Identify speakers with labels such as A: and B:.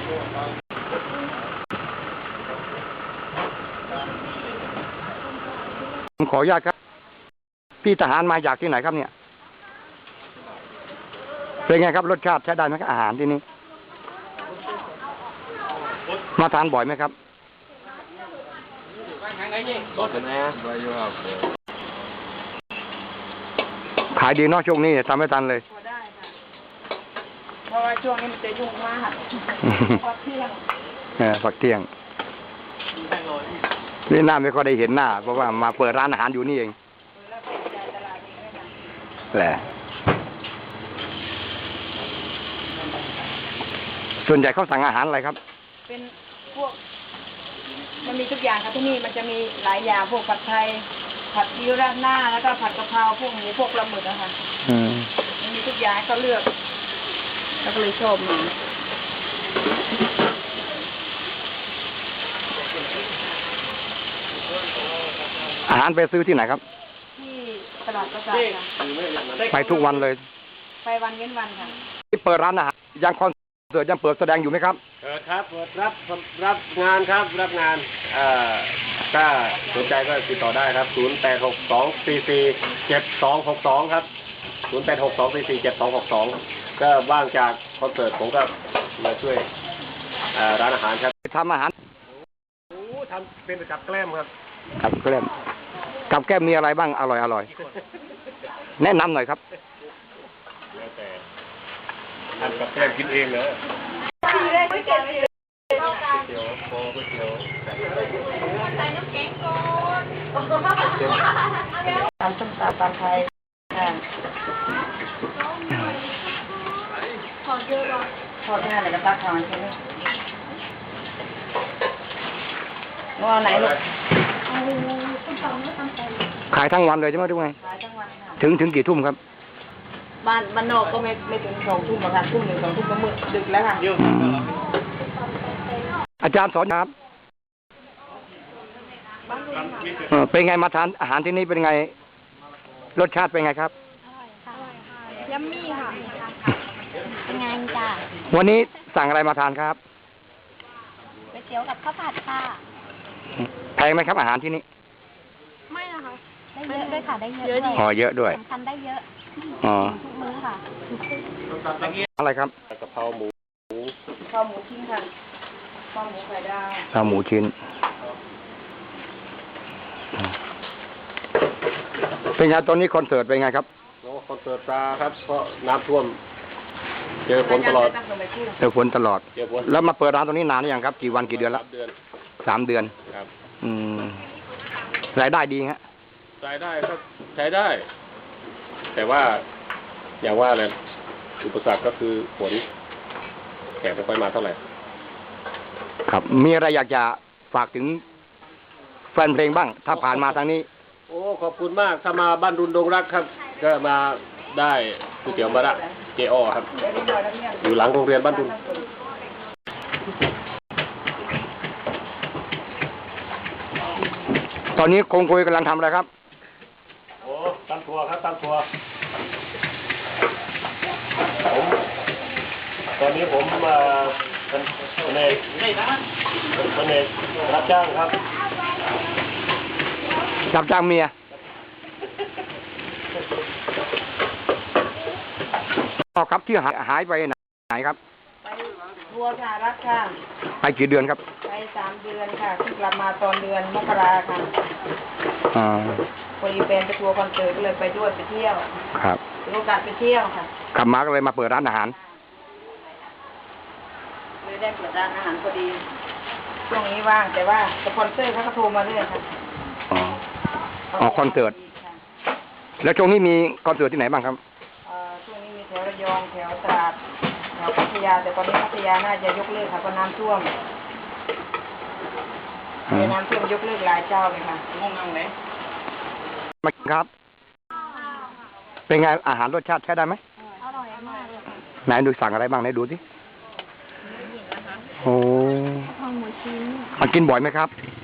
A: ผมขออนุญาตครับพี่ทหารมาจากที่ไหนครับเนี่ยเป็นไงครับรสชาติใช้ได้ไหมครับอาหารที่นี่มาทานบ่อยไหมครับขายดีเนาะช่วงนี้ทำไม่ทันเลย
B: ได้ค่ะเพราะว่าช่วงนี้มันจะยุ่งมากพักเที่ยง
A: พักเที่ยงนี่หน้าไม่ค่อยได้เห็นหน้าเพราะว่ามาเปิดร้านอาหารอยู่นี่เองแหละส่วนใหญ่เขาสั่งอาหารอะไรครับ
B: เป็นพวกมันมีทุกอย่างครับที่นี่มันจะมีหลายอย่างพวกผัดไทยผัดซีอิ๊วราดหน้าแล้วก็ผัดกะเพราพวกหมูพวกปลาหมึกอะค่ะมันมีทุกอย่างก็เลือกแล้วก็เลยชอบมัน
A: อาหารไปซื้อที่ไหนครับ
B: ที่ตลาดประสาทค่ะ
A: ไปทุกวันเลย
B: ไปวันเว้นวันค่ะ
A: ที่เปิดร้านอาหารยังคอนเสิร์ตยังเปิดแสดงอยู่ไหมครับ
C: เปิดครับเปิดรับงานครับรับงานถ้าสนใจก็ติดต่อได้ครับ0862447262ครับ0862447262ก็ว่างจากคอนเสิร์ตผมก็มาช่วยร้านอาหารครับ
A: ทำอาหาร
C: ทำเป็นกับแกล้มครับ
A: กับแกล้มกับแกล้มมีอะไรบ้างอร่อยแนะนำหน่อยครับ
C: แล้วแต่ทำกับแกล้มกินเองเหรอก๋วยเตี๋ยวโก๋วยเตี๋ยว
B: ใส่น้ำแกงก่อนทำส้มตำตำไทยพอเยอะหรอพอที่ไหนก็ตักทานใช่ไหมว่าไหนลูกส้มตำแล้วตำไทย
A: ขายทั้งวันเลยใช่ไหมทุกไง
B: ขายทั้งวันค่ะ
A: ถึงกี่ทุ่มครับ
B: บ้านนอกก็ไม่ถึง2 ทุ่มหรอกค่ะทุ่ม 1 2 ทุ่มก็มืดดึกแล้วค่ะ
A: อาจารย์สอนครับเป็นไงมาทานอาหารที่นี่เป็นไงรสชาติเป็นไงครับ
D: ยัมมี่ค่ะเป็นไงจ้ะ
A: วันนี้สั่งอะไรมาทานครับ
D: ก๋วยเตี๋ยวกับข้าวผัดค่ะ
A: แพงไหมครับอาหารที่นี่
D: ไม่นะคะได้เยอะด้วยค่ะได้เยอะด้วย
A: เยอะด้วย
D: สำคัญได้เยอะทุกมื้อค่ะ
A: อะไรครับ
C: กะเพราหมู
B: ข้าวหมูชิ้นค่ะข้าวหมูไข่ดาว
A: ข้าวหมูชิ้นเป็นไงตอนนี้คอนเสิร์ตเป็นไงครับ
C: คอนเสิร์ตครับเพราะน้ำท่วมเจอฝนตลอด
A: แล้วมาเปิดร้านตรงนี้นานหรือยังครับกี่วันกี่เดือนแล้ว3 เดือน
C: ครับ
A: รายได้ดีฮะ
C: รายได้ก็ใช้ได้แต่ว่าอย่างว่าเลยอุปสรรคก็คือฝนแขกไม่ค่อยมาเท่าไหร่
A: ครับมีอะไรอยากจะฝากถึงแฟนเพลงบ้างถ้าผ่านมาทางนี้
C: โอ้ขอบคุณมากถ้ามาบ้านรุนดงรักครับก็มาได้ก๋วยเตี๋ยวมาละเจอ้อครับอยู่หลังโรงเรียนบ้านรุน
A: ตอนนี้คงคุยกำลังทำอะไรครับ
C: โอ้ตำถั่วครับตำถั่วผมตอนนี้ผมเป็นเอกรับจ้างครับ
A: รับจ้างเมียครับที่หายไปไหนครับ
B: ไปทัวร์สหรัฐค่ะ
A: ไปกี่เดือนครับ
B: ไป3 เดือนค่ะที่กลับมาตอนเดือนมกราค่ะพอดีแฟนไปทัวร์คอนเสิร์ตก็เลยไปด้วยไปเที่ยว
A: ครับ
B: มีโอกาสไปเที่ยวค่ะ
A: กลับมาก็เลยมาเปิดร้านอาหาร
B: เลยได้เปิดร้านอาหารพอดีช่วงนี้ว่างแต่ว่าสปอนเซอร์เขาก็โทรมาเรื่อยค่ะ
A: คอนเสิร์ตแล้วช่วงนี้มีคอนเสิร์ตที่ไหนบ้างครับ
B: ช่วงนี้มีแถวระยองแถวตราดแถวพัทยาแต่ตอนนี้พัทยาน่าจะยกเลิกค่ะเพราะน้ำท่วมน้ำท่วมยกเลิกหลายเจ้าเลยค่ะงงไหน
A: มาครับเป็นไงอาหารรสชาติใช้ได้ไหม
D: อร่อยมากเลยค่ะ
A: ไหนดูสั่งอะไรบ้างไหนดูสิโอ้
D: ข้าวหมูชิ้น
A: มากินบ่อยไหมครับ